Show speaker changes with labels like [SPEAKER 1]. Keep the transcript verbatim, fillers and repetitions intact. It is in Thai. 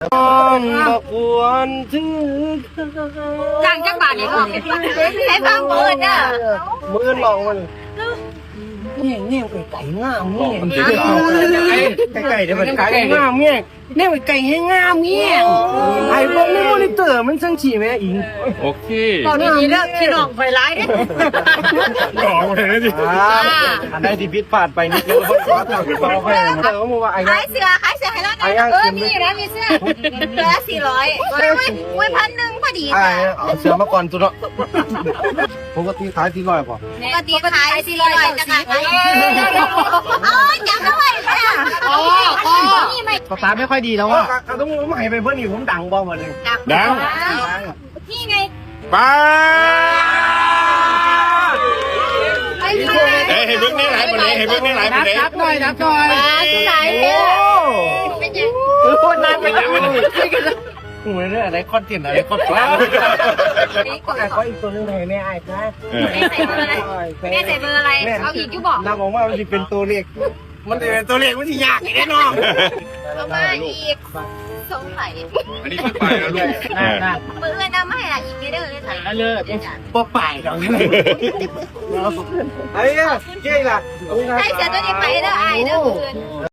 [SPEAKER 1] บ่ควรถือ
[SPEAKER 2] จ้างจักบาทนี่ก็ให้ฟังเปิดเด้อ
[SPEAKER 1] มือหลอกมันเนี่ยเนี่ยไก่ไก่งามเนี่ยไก่ไก่เดี๋ยวมันไก่งามเนี่ยเนี่ยไก่ให้งามเนี่ยไอ้พวกนี้มอนิเตอร์มันช่างฉี่ไหมอิง
[SPEAKER 3] โอเค
[SPEAKER 2] ตอนนี้เด้อพี่น้องไฟร้ายเด้
[SPEAKER 3] หลอกเลยนะจิ
[SPEAKER 1] อันใดที่ผิดพลาดไปนี่คือคนขอโทษขอโทษเออมึงว่าไอ้
[SPEAKER 2] ขายเสื้อขายเสื้อให้เรานะเออมีนะมีเสื้อเสื้อสี่ร้อยไม่ไม่ไม่พันหนึ่งพอดี
[SPEAKER 1] ไอ้
[SPEAKER 2] ค่ะ
[SPEAKER 1] เอาเสือมาก่อนตัวเนาะปกติขายที่ร้อยป่ะ
[SPEAKER 2] ปกติขายสี่ร้อยจะขายอ๋อจับด้วยค่ะอ๋ออ๋อนี่ไม่
[SPEAKER 1] ภาษาไม่ค่อยดีแล้วอ่ะต้องใหม่ไปเพื่อนนี่ผมดังบ้างหมดเลย
[SPEAKER 3] ดัง
[SPEAKER 2] นี่ไง
[SPEAKER 3] ป้า
[SPEAKER 2] ไอ้ที่
[SPEAKER 3] เฮ้ยให้เบิ้งนี่หลายประเด็นให้เบิ้งนี่หลายประเด็น
[SPEAKER 1] นับหน่อยนับหน่อย
[SPEAKER 2] ไหนเนี่ยเป็นยัง
[SPEAKER 1] คือโคตรนานไปแล้วเหมือนอะไรคอนเทนต์อะไรคอนเทนต์ไอ้เขาอีกตัวนึงไงแม่ไอ้นะ
[SPEAKER 2] แม่ใส่เบอร์อะไรแม่ใส่เบอร์อะไรเอาอีกก็บอก
[SPEAKER 1] นางบอกว่ามันจะเป็นตัวเลขมันจะเป็นตัวเลขมันจะยากแน่นอน
[SPEAKER 2] เอามาอีกสงสัย
[SPEAKER 3] อันนี้ขึ้นไปแล้วลูก
[SPEAKER 2] มือเอื้อนเอามาให้ละอีกไม่ได้เลยค่ะ
[SPEAKER 1] เลยปอป่ายเราเนี่ยไอ้เนี่ยเจ๊ล่ะ
[SPEAKER 2] ได้เสียตัวนี้ไปเด้อไอ้เด้อเพื่อน